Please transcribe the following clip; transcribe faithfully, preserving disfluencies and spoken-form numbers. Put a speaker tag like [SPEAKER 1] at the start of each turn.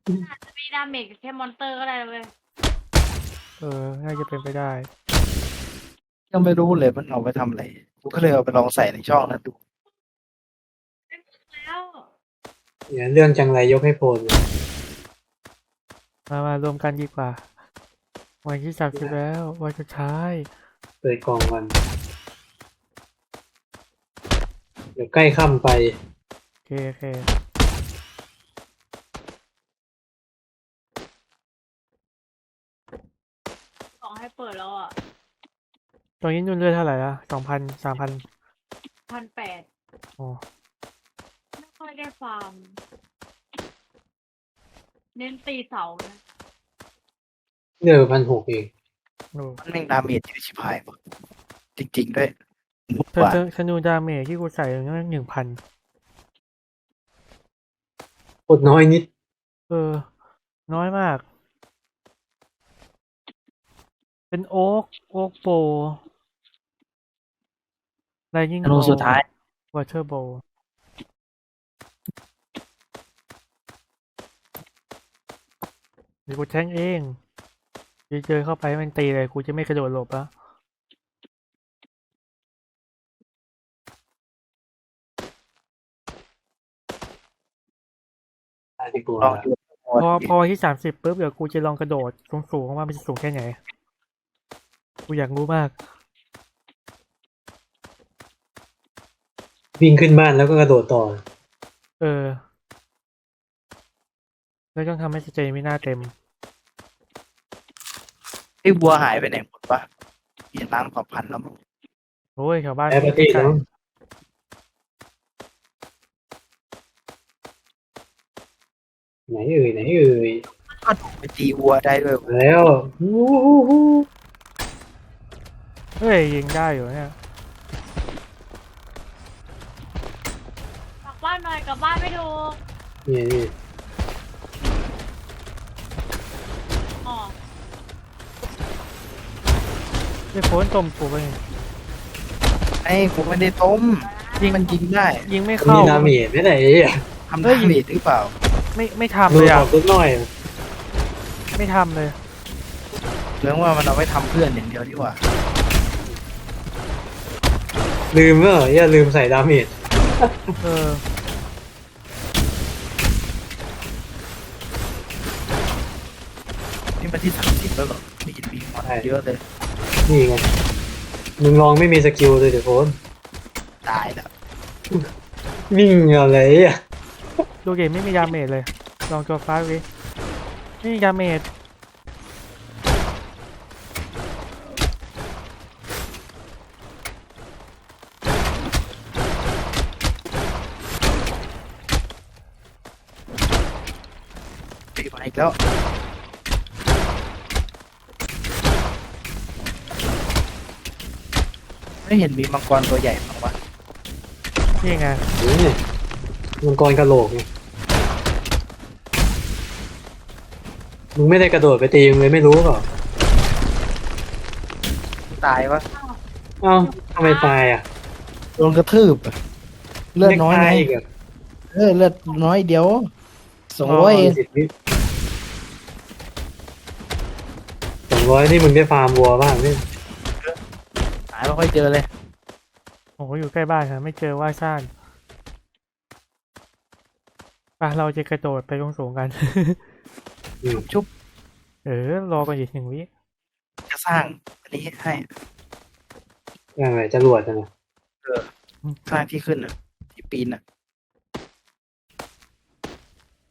[SPEAKER 1] อาจจะมีดาเมจแค่มอนเตอร์ก็ได้เว้ย
[SPEAKER 2] เออน่าจะเป็นไปได้
[SPEAKER 3] ยังไม่รู้เลยมันเอาไปทำอะไรกูก็เลยเอาไปลองใส่ในช่องนั้นดู
[SPEAKER 1] แล้ว
[SPEAKER 4] เนี่ยเรื่องจังไรยกให้โพลเลย
[SPEAKER 2] มามารวมกันดีกว่า วันที่สามสิบแล้ววันสุดท้าย
[SPEAKER 4] เปิดกล่องก่อนเดี๋ยวใกล้ค่ำไป
[SPEAKER 2] โอเคโอเค
[SPEAKER 1] สองให้เปิดแล้วอ่ะ
[SPEAKER 2] ตอนนี้นุ่นเลือดเท่าไหร่ละสองพันสามพัน
[SPEAKER 1] พันแปด
[SPEAKER 2] อ๋อ
[SPEAKER 1] ไม่ค่อยได้ฟาร์ม เน้นตีเสานะ
[SPEAKER 4] เดือพันหกเอง
[SPEAKER 2] โอ้
[SPEAKER 3] มันแม่งดาเมจเยอะชิบหายหมดจริงๆด้วยหมด
[SPEAKER 2] เธอก
[SPEAKER 3] ว่า
[SPEAKER 2] เธอธนูดาเมจที่กูใส่นั่นหนึ่งพัน
[SPEAKER 4] โคตรน้อยนิด
[SPEAKER 2] เออ น้อยมาก เป็นโอ๊กโอ๊กโบไลนิ่ง
[SPEAKER 3] ธนูสุดท้าย
[SPEAKER 2] วอเตอร์โบเดี๋ยวกูแทงเองเดี๋ยวเจอเข้าไปมันตีเลย กูจะไม่กระโดดหลบแล้ว
[SPEAKER 4] ได้ดีก
[SPEAKER 3] ลอ
[SPEAKER 4] ว่าง
[SPEAKER 3] ดู
[SPEAKER 2] พอพอที่สามสิบปุ๊บเดี๋ยวกูจะลองกระโดดสูงสูงว่ามันจะสูงแค่ไหน กูอยากรู้มาก
[SPEAKER 4] วิ่งขึ้นบ้านแล้วก็กระโดดต่อ
[SPEAKER 2] เออ แล้วต้องทำให้สเตมิน่าเต็ม
[SPEAKER 3] ไอ้วัวหายไปไหนหมดวะเห็นล้างเผ่าพันธุ์แล้วมั้ง
[SPEAKER 2] โอ้ยแถวบ้าน
[SPEAKER 4] แอปเปิลตี้
[SPEAKER 2] ไก่
[SPEAKER 4] เนาะไหนเอ่ยไหนเอ่ย
[SPEAKER 3] ก็ถูกไปตีวัวได้ด้วย
[SPEAKER 4] มาแล้วฮู้ฮู้ฮู้
[SPEAKER 2] เฮ้ยยิงได้อยู่เนี่ย
[SPEAKER 1] กลับบ้านหน่อยกลับบ้านไม่ถูก
[SPEAKER 4] นี่นี่
[SPEAKER 1] อ๋อ
[SPEAKER 2] ไอ้โฟนต้มกูไป
[SPEAKER 3] ไอ้กูไม่ได้ต้มยิงมันยิงได้
[SPEAKER 2] ยิงไม่
[SPEAKER 4] มี
[SPEAKER 2] เข้า
[SPEAKER 4] ดาเมจไหมไหนอ่ะ
[SPEAKER 3] ทำดาเมจหรือเปล่า
[SPEAKER 2] ไม่ไม่ทำ
[SPEAKER 4] มื
[SPEAKER 2] เล
[SPEAKER 4] อย อ
[SPEAKER 2] อ่ะ
[SPEAKER 4] อกนิดหน่อย
[SPEAKER 2] ไม่ทำเลย
[SPEAKER 3] เรื่องว่ามันเอาไว้ทำเพื่อนอย่างเดียวดีกว่า
[SPEAKER 4] ลืมเมื่ออย่าลืมใส่ดาเมจ
[SPEAKER 2] เออ
[SPEAKER 3] นี่มันที่สามสิบแล้วเหรอไม่เห็นมีมาเยอะเลย
[SPEAKER 4] นี่ไงมึงลองไม่มีสกิลเลยเดี๋ยวโฟน
[SPEAKER 3] ตายแล้ว
[SPEAKER 4] วิ่งอะไรอ่ะ
[SPEAKER 2] ดูเกมไม่มีดาเมจเลย ลองตัวฟ้าวิไม่มีดาเมจ
[SPEAKER 3] ตีมาอีกแล้วไม่เห็นมีมังกรตัวใหญ่บ้างวะ
[SPEAKER 2] นี่ไง
[SPEAKER 4] นี่มังกรกระโหลกไงมึงไม่ได้กระโดดไปตีมึงเลยไม่รู้เปล่า
[SPEAKER 3] ตายวะ
[SPEAKER 4] เอ้าทำไมตายอ่ะ
[SPEAKER 3] โดนกระทืบอะเลือดน้อย
[SPEAKER 4] ไม่
[SPEAKER 3] ไง
[SPEAKER 4] ตายอีกอ่ะ
[SPEAKER 3] เออเลือดน้อยเดียวสองร้อยเอง
[SPEAKER 4] สิบวิสองร้อยนี่มึงได้ฟาร์มวัวบ้างนี่
[SPEAKER 3] หาไม่ค่อยเจอเลย
[SPEAKER 2] โอ้โหอยู่ใกล้บ้านค่ะไม่เจอว่าซ่านป่ะเราจะกระโดดไปตรงสูงๆกัน
[SPEAKER 4] อืม
[SPEAKER 3] ชุบ
[SPEAKER 2] เออ รอกันอีกหนึ่งวิ
[SPEAKER 3] จะสร้างอันนี้ให้
[SPEAKER 4] อย่างไรจรวดอะนะ
[SPEAKER 3] สร้างที่ขึ้นอ่ะที่ปีนอ่ะ